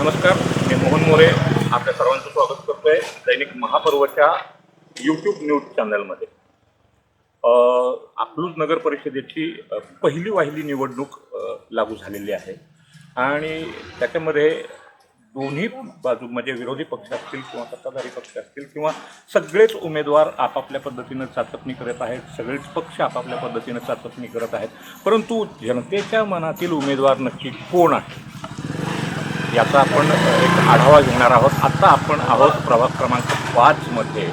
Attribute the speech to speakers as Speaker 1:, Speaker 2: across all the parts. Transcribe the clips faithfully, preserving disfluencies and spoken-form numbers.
Speaker 1: नमस्कार, मी मोहन मोरे आपल्या सर्वांचं स्वागत करतोय दैनिक महापर्वच्या यूट्यूब न्यूज चॅनलमध्ये. अकलूज नगर परिषदेची पहिली वाहिली निवडणूक लागू झालेली आहे आणि त्याच्यामध्ये दोन्ही बाजू म्हणजे विरोधी पक्ष असतील किंवा सत्ताधारी पक्ष असतील किंवा सगळेच उमेदवार आपापल्या पद्धतीनं चाचपणी करत आहेत, सगळेच पक्ष आपापल्या पद्धतीनं चाचपणी करत आहेत. परंतु जनतेच्या मनातील उमेदवार नक्की कोण आहे याचा आपण एक आढावा घेणार आहोत. आत्ता आपण आहोत प्रभाग क्रमांक पाचमध्ये.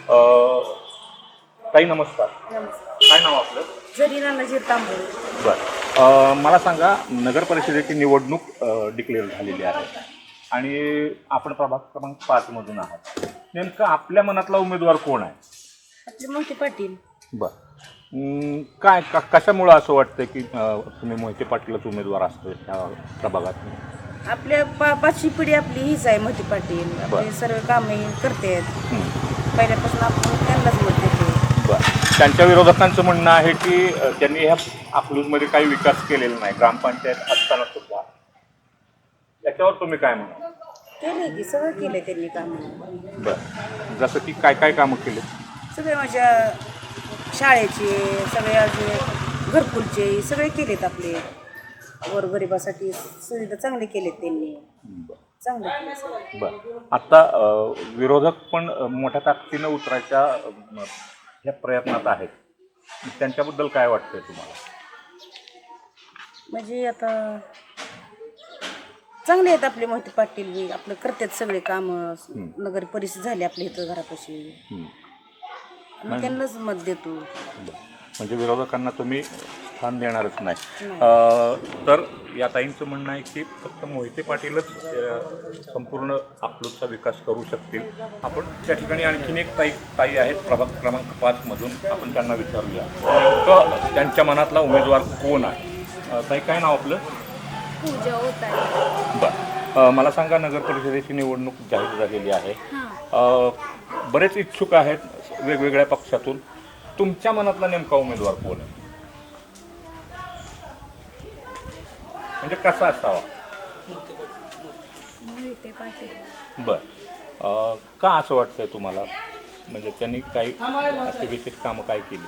Speaker 1: ताई नमस्कार. काय नाव आपलं?
Speaker 2: जरीना नजीर तांबोळी.
Speaker 1: बरं, मला सांगा, नगर परिषदेची निवडणूक डिक्लेअर झालेली आहे आणि आपण प्रभाग क्रमांक पाचमधून आहात. नेमकं आपल्या मनातला उमेदवार कोण आहे?
Speaker 2: आपले मोहिते पाटील.
Speaker 1: बरं, काय का कशामुळं असं वाटतं की तुम्ही मोहिते पाटीलच उमेदवार असतो त्या प्रभागात?
Speaker 2: आपल्या पा पाचवी पिढी आपली हीच आहे, मोहिते पाटील. आपले सर्व कामे करते पहिल्यापासून, आपण त्यांनाच मत देतो.
Speaker 1: बरं, त्यांच्या विरोधकांचं म्हणणं आहे की त्यांनी ह्या अकलूजमध्ये काही विकास केलेला नाही, ग्रामपंचायत असताना सुद्धा. याच्यावर तुम्ही काय म्हणा?
Speaker 2: केले की सगळं केलंय त्यांनी काम.
Speaker 1: बरं, जसं की काय काय कामं केले?
Speaker 2: सगळे माझ्या शाळेचे, सगळे अजून घरकुलचे सगळे केलेत. आपले गोरगरिबासाठी सुविधा चांगले केलेत त्यांनी. चांगले केले.
Speaker 1: बरं, आत्ता विरोधक पण मोठ्या ताकदीनं उतरायच्या ह्या प्रयत्नात आहेत. त्यांच्याबद्दल काय वाटतंय तुम्हाला?
Speaker 2: म्हणजे आता चांगले आहेत आपले मोहिते पाटील बी. आपलं करतात सगळे कामं. नगर परिषद झाली आपल्या इथं घरापाशी. आम्ही त्यांनाच मत देतो.
Speaker 1: म्हणजे विरोधकांना तुम्ही स्थान देणारच नाही. तर या ताईंचं म्हणणं आहे की फक्त मोहिते पाटीलच संपूर्ण अकलूजचा विकास करू शकतील. आपण त्या ठिकाणी आणखीन एक ताई ताई आहेत प्रभाग क्रमांक पाचमधून, आपण त्यांना विचारूया तर त्यांच्या मनातला उमेदवार कोण आहे. ताई, काय नाव आपलं?
Speaker 3: पूजा होत आहे.
Speaker 1: बरं, मला सांगा, नगर परिषदेची निवडणूक जाहीर झालेली आहे. बरेच इच्छुक आहेत वेगवेगळ्या पक्षातून. तुमच्या मनातला नेमका उमेदवार कोण आहे? म्हणजे कसा असावा?
Speaker 3: मोहिते पाटील.
Speaker 1: बरं, का असं वाटतंय तुम्हाला? म्हणजे त्यांनी काही अशी विशेष कामं काय केली?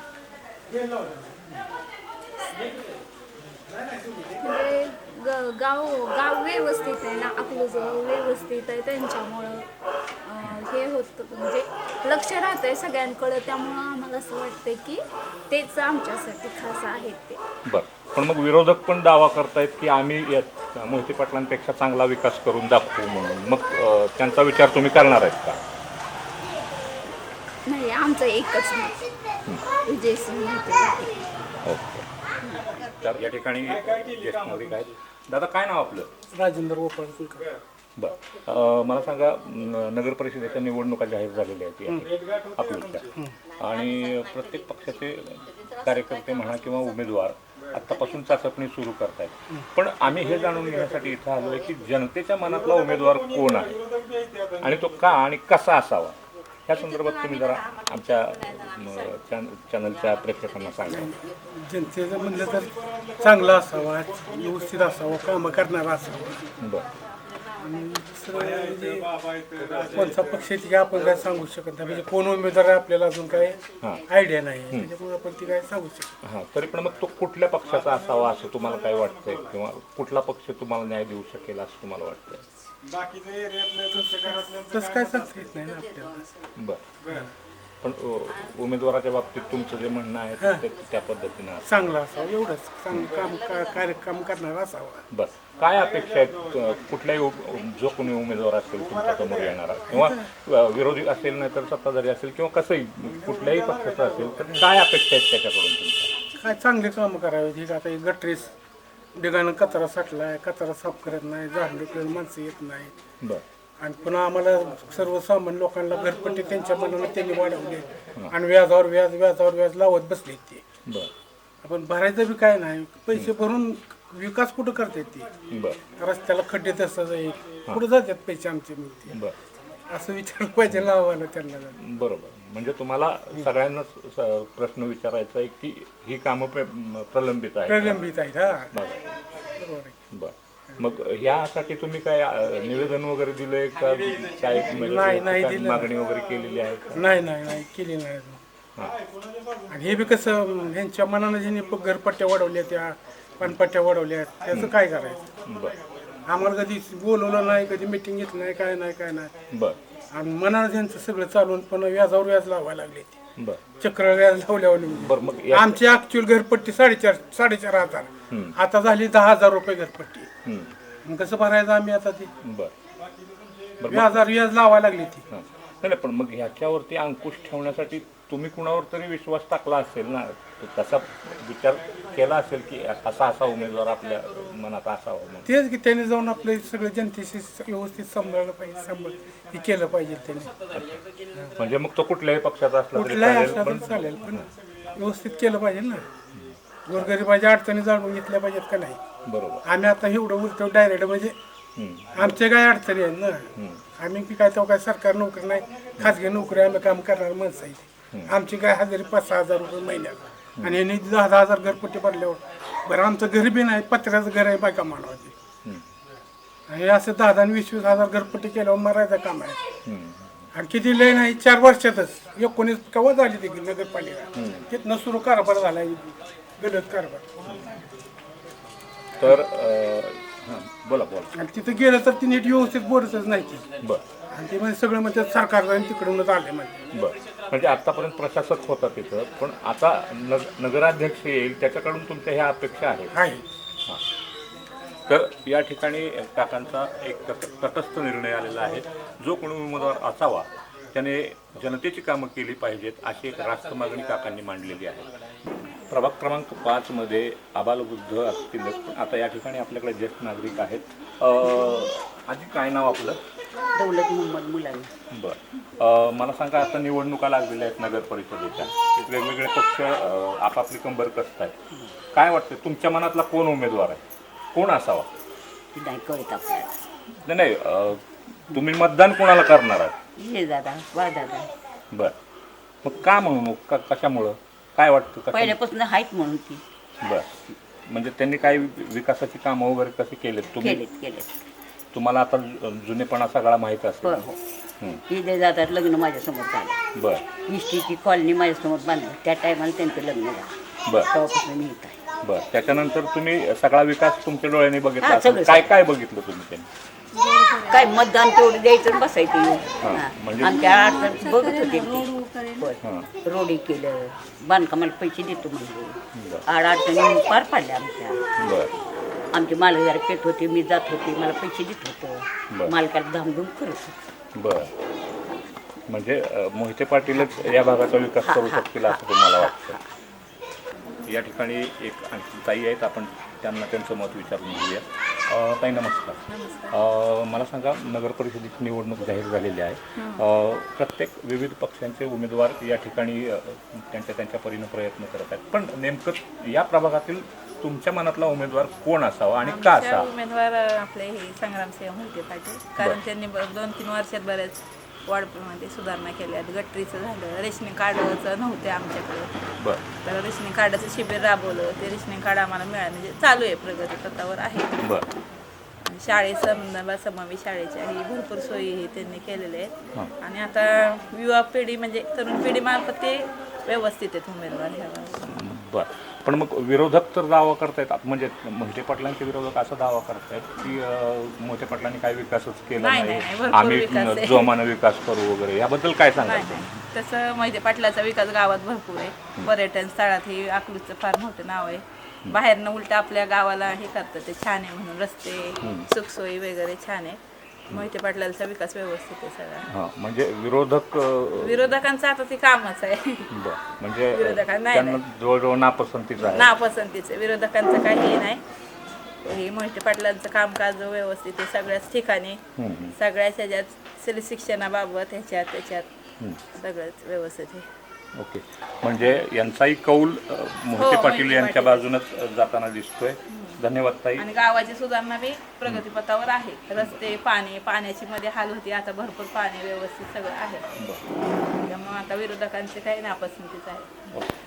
Speaker 3: म्हणजे ग गाव गाव व्यवस्थित आहे ना, अकलूज व्यवस्थित आहे, त्यांच्यामुळं हे होतं, म्हणजे लक्ष राहतं आहे सगळ्यांकडं. त्यामुळं आम्हाला असं वाटतं की तेच आमच्यासाठी खास आहेत ते.
Speaker 1: बरं, पण मग विरोधक पण दावा करतायत की आम्ही यात मोहिते पाटलांपेक्षा चांगला विकास करून दाखवू म्हणून. मग त्यांचा विचार तुम्ही करणार आहेत का?
Speaker 3: नाही, आमचं एकच मत, विजयसिंह मोहिते पाटील.
Speaker 1: ओके. तर या ठिकाणी ज्येष्ठ नागरिक आहेत. दादा, काय नाव आपलं?
Speaker 4: राजेंद्र गोपाळ कुलकर्णी.
Speaker 1: बरं, मला सांगा, नगर परिषदेच्या निवडणुका जाहीर झालेल्या आहेत आपल्या आणि प्रत्येक पक्षाचे कार्यकर्ते म्हणा किंवा उमेदवार आत्तापासून चाचपणी सुरू करतायत. पण आम्ही हे जाणून घेण्यासाठी इथं आलो आहे की जनतेच्या मनातला उमेदवार कोण आहे आणि तो का आणि कसा असावा, ह्या संदर्भात तुम्ही जरा आमच्या चॅनलच्या प्रेक्षकांना सांगा.
Speaker 4: जनतेचं म्हणलं तर चांगला असावा, व्यवस्थित असावा, कामं करणारा असावा.
Speaker 1: बरं,
Speaker 4: आणि दुसरं म्हणजे कोणता पक्ष आहे ती आपण काय सांगू शकत नाही. म्हणजे कोण उमेदवार आहे आपल्याला अजून काय आयडिया नाही, त्याच्यामुळे आपण ती काय सांगू शकतो.
Speaker 1: हां, तरी पण मग तो कुठल्या पक्षाचा असावा असं तुम्हाला काय वाटतंय, किंवा कुठला पक्ष तुम्हाला न्याय देऊ शकेल असं तुम्हाला वाटतंय?
Speaker 4: तसं काय सांगता येत नाही ना आपल्याला.
Speaker 1: बरं, पण उमेदवाराच्या बाबतीत तुमचं जे म्हणणं आहे ते त्या पद्धतीनं
Speaker 4: चांगला असावा, एवढंच. चांगलं काम कार्यक्रम करणारा असावा.
Speaker 1: बरं, काय अपेक्षा आहेत कुठल्याही जो कोणी उमेदवार असेल तुमच्यासमोर येणारा, किंवा विरोधी असेल नाही तर सत्ताधारी असेल किंवा कसंही कुठल्याही पक्षाचं असेल, तर काय अपेक्षा आहेत त्याच्याकडून तुमच्या?
Speaker 4: काय चांगले कामं करावे. ठीक आता एक गटरीस डिगानं कचरा साठलाय, कचरा साफ करत नाही, झाडलं माणसं येत नाही.
Speaker 1: बरं,
Speaker 4: आणि पुन्हा आम्हाला सर्वसामान्य लोकांना घरपट्टी त्यांच्या मनानं त्यांनी वाढवली आणि व्याजावर व्याज व्याजावर व्याज लावत बसले ते.
Speaker 1: बरं,
Speaker 4: आपण भरायचं बी काय नाही, पैसे भरून विकास कुठं करतात ते?
Speaker 1: बरं,
Speaker 4: रस्त्याला खड्डे तसंच आहे, कुठं जातात पैसे आमचे? मग
Speaker 1: बरं,
Speaker 4: असं विचारलं पाहिजे लावायला त्यांना.
Speaker 1: बरोबर. म्हणजे तुम्हाला सगळ्यांनाच प्रश्न विचारायचा आहे की ही कामं प्रलंबित आहेत.
Speaker 4: प्रलंबित आहेत. हा,
Speaker 1: बरं,
Speaker 4: बरोबर आहे.
Speaker 1: बरं. मग यासाठी तुम्ही काय अ, निवेदन वगैरे दिलंय का काय म्हणजे
Speaker 4: नाही, नाही
Speaker 1: ठिकाणी
Speaker 4: दिलं.
Speaker 1: मागणी वगैरे केलेली आहे का?
Speaker 4: नाही नाही नाही केली नाही अजून. आणि हे बी कसं ह्यांच्या मनानं ज्यांनी प- घरपट्ट्या वाढवल्या त्या पानपट्ट्या वाढवल्या त्याचं काय करायचं.
Speaker 1: बर
Speaker 4: आम्हाला कधी बोलवलं नाही, कधी मिटिंग घेतली नाही, काय नाही काय नाही.
Speaker 1: बर
Speaker 4: आणि मनानं त्यांचं सगळं चालून पण व्याजावर व्याज लावायला लागले ते
Speaker 1: बर
Speaker 4: चक्र व्याज लावल्यावर
Speaker 1: बर मग या
Speaker 4: आमची ऍक्च्युअल घरपट्टी साडेचार साडेचार हजार
Speaker 1: हम्म.
Speaker 4: आता झाली दहा हजार रुपये घरपट्टी.
Speaker 1: हम्म.
Speaker 4: मग कसं भरायचं आम्ही आता ती
Speaker 1: बर बर मग
Speaker 4: व्याजार व्याज लावायला लागली ती.
Speaker 1: हां. नाही नाही, पण मग ह्याच्यावरती अंकुश ठेवण्यासाठी तुम्ही कुणावर तरी विश्वास टाकला असेल ना, तसा विचार केला असेल की असा असा उमेदवार आपल्या मनात असावा म्हणून.
Speaker 4: तेच की त्याने जाऊन आपलं सगळं जनतेशी व्यवस्थित सांभाळलं पाहिजे, सांभाळ हे केलं पाहिजे त्याने.
Speaker 1: म्हणजे मग तो कुठल्याही पक्षाचा असला तरी
Speaker 4: कुठलाही
Speaker 1: चालेल,
Speaker 4: असला
Speaker 1: पण
Speaker 4: तरी चालेल पण व्यवस्थित केलं पाहिजे ना. गोरगरिबाच्या अडचणी जाणून घेतल्या पाहिजेत का नाही.
Speaker 1: बरोबर.
Speaker 4: आम्ही आता एवढं उलटं डायरेक्ट म्हणजे
Speaker 1: हम्म.
Speaker 4: आमच्या काय अडचणी आहेत ना. आम्ही की काय तेव्हा काय सरकार नोकरी नाही, खाजगी नोकरी आम्ही काम करणार माणसं आहे. आमची काय हजेरी पाच सहा हजार रुपये महिन्यात आणि यांनी दहा दहा हजार घरपट्टी भरल्यावर बरं आमचं घर बी नाही, पत्र्याचं घर आहे बायका मानवाचे.
Speaker 1: हम्म.
Speaker 4: आणि असं दहा दहा आणि वीस वीस हजार घरपट्टी केल्यावर मरायचं काम आहे.
Speaker 1: हम्म.
Speaker 4: आणि किती लय नाही चार वर्षातच एकोणीस केव्हा झाली ती नगरपालिका तिथनं सुरू कारभार झाला गलत कारभार.
Speaker 1: तर अं, हां, बोला बोला.
Speaker 4: आणि तिथं गेलं तर ती नीट व्यवस्थित बोलतच नाही ती.
Speaker 1: बर
Speaker 4: आणि ते म्हणजे सगळं म्हणजे सरकार जाऊन तिकडूनच आले म्हणजे.
Speaker 1: बर म्हणजे आतापर्यंत प्रशासक होता तिथं, पण आता नग नगराध्यक्ष येईल त्याच्याकडून तुमच्या ह्या अपेक्षा आहेत.
Speaker 4: आहे
Speaker 1: हां. तर या ठिकाणी काकांचा एक तट- तटस्थ निर्णय आलेला आहे. जो कोणी उमेदवार असावा त्याने जनतेची कामं केली पाहिजेत अशी एक रास्त मागणी काकांनी मांडलेली आहे. प्रभाग क्रमांक पाचमध्ये आबालवृद्ध असतीलच, पण आता या ठिकाणी आपल्याकडे ज्येष्ठ नागरिक आहेत. अं, आजी काय नाव आपलं?
Speaker 2: दौलत मोहम्मद मुलानी.
Speaker 1: बरं. मला सांगा, आता निवडणुका लागलेल्या आहेत नगर परिषदेच्या. वेगवेगळे पक्ष अं, आपापली कंबर कसत आहेत. काय वाटतं तुमच्या मनातला कोण उमेदवार आहे, कोण असावा?
Speaker 2: ती नाही कळत आपल्याला.
Speaker 1: नाही नाही अं, तुम्ही मतदान कोणाला करणार आहात?
Speaker 2: ये दादा वा दादा
Speaker 1: बरं. मग का म्हणून का कशामुळं काय वाटतं कशा
Speaker 2: पहिल्यापासून आहेत म्हणून ती
Speaker 1: बरं. म्हणजे त्यांनी काय विकासाची कामं वगैरे कशी केलेत तुम्ही?
Speaker 2: केलेत केलेत.
Speaker 1: तुम्हाला आता जु- जुनेपणा सगळा माहीत असेल.
Speaker 2: हो हो
Speaker 1: हं.
Speaker 2: ती जे दादा लग्न माझ्यासमोर झालं.
Speaker 1: बरं
Speaker 2: इष्टीची कॉलनी माझ्यासमोर बांधली त्या टायमाला त्यांचं लग्न झालं.
Speaker 1: बरं
Speaker 2: तेव्हापासून मी इथं आहे.
Speaker 1: बरं. त्याच्यानंतर तुम्ही सगळा विकास तुमच्या डोळ्याने बघितला
Speaker 2: हां,
Speaker 1: असेल.
Speaker 2: सगळं,
Speaker 1: काय
Speaker 2: सगळं.
Speaker 1: काय बघितलं तुम्ही त्यांनी?
Speaker 2: काय मतदान तेवढं द्यायचं आणि बसायचं येऊन. हां.
Speaker 1: म्हणजे-
Speaker 2: आमच्या अडचण बघत होते ते. होय.
Speaker 1: हां.
Speaker 2: रोडी केलं, बांधकामाला पैसे देतो म्हणजे.
Speaker 1: बरं
Speaker 2: आड अडचणी पार पाडल्या आमच्या.
Speaker 1: बरं
Speaker 2: आमची मालगार पेट होती, मी जात होती, मला पैसे देत
Speaker 1: बरं.
Speaker 2: होतं. मालकाला धामधूम करत होतं.
Speaker 1: बरं. म्हणजे अ, मोहिते पाटीलच या भागाचा विकास करू
Speaker 2: हां,
Speaker 1: शकतील असं तुम्हाला वाटतं? या ठिकाणी एक आणखी ताई आहेत, आपण त्यांना त्यांचं मत विचारून घेऊया. अ, ताई नमस्कार. अ, मला सांगा, नगर परिषदेची निवडणूक जाहीर झालेली आहे. अ, प्रत्येक विविध पक्षांचे उमेदवार या ठिकाणी अ, त्यांच्या त्यांच्या परीने प्रयत्न करत आहेत, पण नेमकं या प्रभागातील तुमच्या मनातला उमेदवार कोण असावा आणि का
Speaker 5: आमच्या
Speaker 1: असावा?
Speaker 5: उमेदवार आपले हे संग्रामसिंह मोहिते पाटील, कारण त्यांनी ब- दोन तीन वर्षात बऱ्याच वाढमध्ये सुधारणा केल्या. गटरीचं झालं, रेशनिंग कार्डचं नव्हते आमच्याकडे,
Speaker 1: बरं
Speaker 5: तर रेशनिंग कार्डाचं शिबिर राबवलं. ते रेशनिंग कार्ड आम्हाला मिळालं, म्हणजे चालू आहे, प्रगती पथावर आहे.
Speaker 1: बरं
Speaker 5: आणि शाळेचं समावी शाळेच्या ही भरपूर सोयी हे त्यांनी केलेल्या
Speaker 1: हां.
Speaker 5: आहेत. आणि आता युवा पिढी म्हणजे तरुण पिढीमार्फत ते व्यवस्थित आहेत उमेदवार ह्या वेळेस.
Speaker 1: बरं. पण मग विरोधक तर दावा करतायत, म्हणजे मोहिते पाटलांचे विरोधक असा दावा करतायत की अं, मोहिते पाटलांनी काही विकासच केला
Speaker 5: नाही,
Speaker 1: नाही,
Speaker 5: नाही, भरपूर
Speaker 1: आम्ही
Speaker 5: विकास आहे.
Speaker 1: जोमानं विकास करू वगैरे. याबद्दल काय
Speaker 5: नाही
Speaker 1: सांगायचं?
Speaker 5: नाही तसं मोहिते पाटलाचा विकास गावात भरपूर आहे. पर्यटन स्थळात हे अकलूजचं फार मोठं नाव आहे. बाहेरनं उलट आपल्या गावाला हे करतं, ते छान आहे म्हणून, रस्ते सुखसोयी वगैरे छान आहे. मोहिते पाटलांचा विकास व्यवस्थित आहे सगळा.
Speaker 1: हां, म्हणजे विरोधक अं,
Speaker 5: विरोधकांचं आता ते कामच आहे.
Speaker 1: बरं. म्हणजे अं,
Speaker 5: विरोधकांना नाही,
Speaker 1: त्यांना जवळजवळ नापसंतीच आहे.
Speaker 5: नापसंतीचं विरोधकांचं काही नाही. हे मोहिते पाटलांचं कामकाज व्यवस्थित आहे सगळ्याच ठिकाणी,
Speaker 1: हम्म.
Speaker 5: सगळ्याच ह्याच्यात स्त्री शिक्षणाबाबत ह्याच्यात त्याच्यात सगळंच व्यवस्थित आहे.
Speaker 1: ओके. म्हणजे यांचाही कौल अं, मोहिते
Speaker 5: हो,
Speaker 1: पाटील
Speaker 5: मोहिते
Speaker 1: यांच्या
Speaker 5: पाटील.
Speaker 1: बाजूनच जाताना दिसतोय. धन्यवाद ताई.
Speaker 5: आणि गावाची सुधारणा बी प्रगतीपथावर आहे. रस्ते, पाणी, पाण्याची मध्ये हाल होती, आता भरपूर पाणी व्यवस्थित सगळं आहे.
Speaker 1: बरं.
Speaker 5: त्यामुळे आता विरोधकांचे काही नापसंतीच आहे.
Speaker 1: ओके.